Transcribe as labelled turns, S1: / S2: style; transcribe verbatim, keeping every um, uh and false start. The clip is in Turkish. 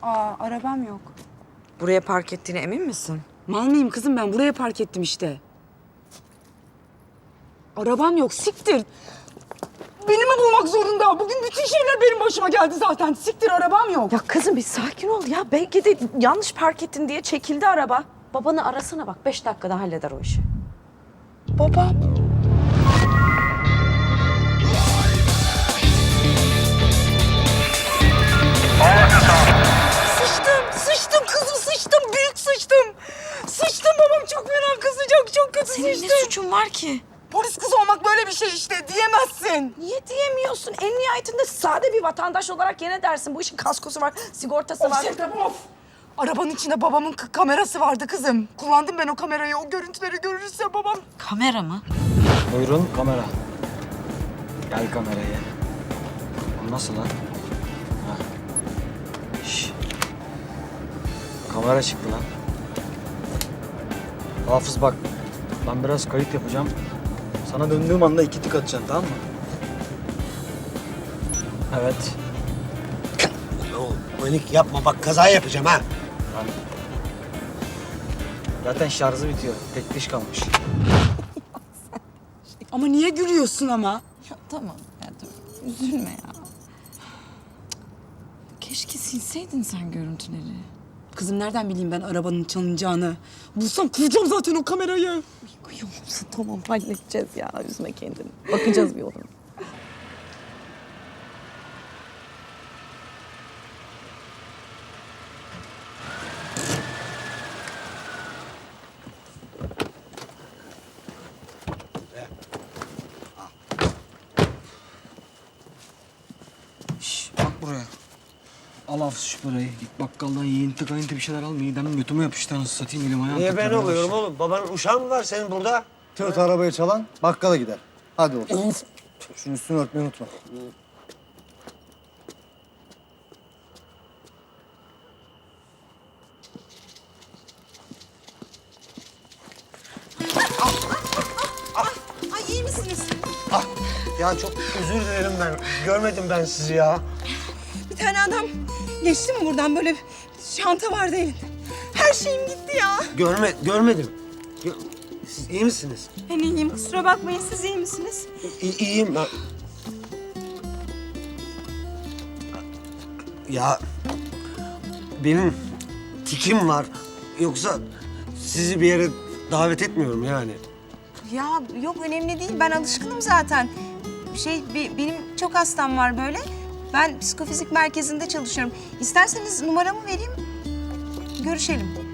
S1: Aa, arabam yok.
S2: Buraya park ettiğine emin misin?
S1: Mal mıyım kızım ben? Buraya park ettim işte. Arabam yok, siktir. Beni mi bulmak zorunda? Bugün bütün şeyler benim başıma geldi zaten. Siktir, arabam yok.
S2: Ya kızım bir sakin ol ya. Belki de yanlış park ettin diye çekildi araba. Babanı arasana bak. Beş dakikada halleder o işi.
S1: Babam. Sıçtım, sıçtım kızım, sıçtım. Büyük sıçtım. Sıçtım, babam çok fena kızacak, çok kötü
S2: Senin
S1: sıçtım.
S2: ne suçun var ki?
S1: Polis kızı olmak böyle bir şey işte, diyemezsin.
S2: Niye diyemiyorsun? En nihayetinde sade bir vatandaş olarak yine dersin. Bu işin kaskosu var, sigortası
S1: Of
S2: var.
S1: Sevdem, of. Arabanın içinde babamın k- kamerası vardı kızım. Kullandım ben o kamerayı. O görüntüleri görürse babam...
S2: Kamera mı?
S3: Buyurun kamera. Gel kameraya. O nasıl lan? Ha. Şş. Kamera çıktı lan. Hafız bak. Ben biraz kayıt yapacağım. Sana döndüğüm anda iki tık atacaksın, tamam mı? Evet.
S4: Oğlum panik yapma bak kaza yapacağım ha.
S3: Lan. Zaten şarjı bitiyor. Tek diş kalmış.
S1: Ama niye gülüyorsun ama?
S2: Ya tamam ya dur. Üzülme ya. Keşke silseydin sen görüntüleri.
S1: Kızım nereden bileyim ben arabanın çalınacağını? Bulsam kuracağım zaten o kamerayı.
S2: Yoksa tamam halledeceğiz ya. Üzme kendini. Bakacağız bir yoluna.
S3: Şş, bak buraya. Al Hafız şu parayı. Git bakkaldan yiyinti kayıntı bir şeyler al. Midem götüme yapıştı anasını satayım, elim ayağım
S4: Niye ben
S3: titremeye
S4: oluyorum
S3: başladı.
S4: oğlum? Babanın uşağı mı var senin burada?
S5: Tığıt arabayı çalan bakkala gider. Hadi oğlum. Şunun üstünü örtmeyi unutma.
S6: Ay iyi misiniz?
S4: Ah, ya çok özür dilerim ben. Görmedim ben sizi ya.
S6: Bir tane adam geçti mi buradan böyle şanta vardı elinde. Her şeyim gitti ya.
S4: Görme, görmedim. Gö- Siz iyi misiniz?
S6: Ben iyiyim kusura bakmayın siz iyi misiniz?
S4: İ- iyiyim ben. Ya benim tikim var. Yoksa sizi bir yere davet etmiyorum yani.
S6: Ya yok önemli değil ben alışkınım zaten. Şey be- benim çok hastam var böyle. Ben psikofizik merkezinde çalışıyorum. İsterseniz numaramı vereyim görüşelim.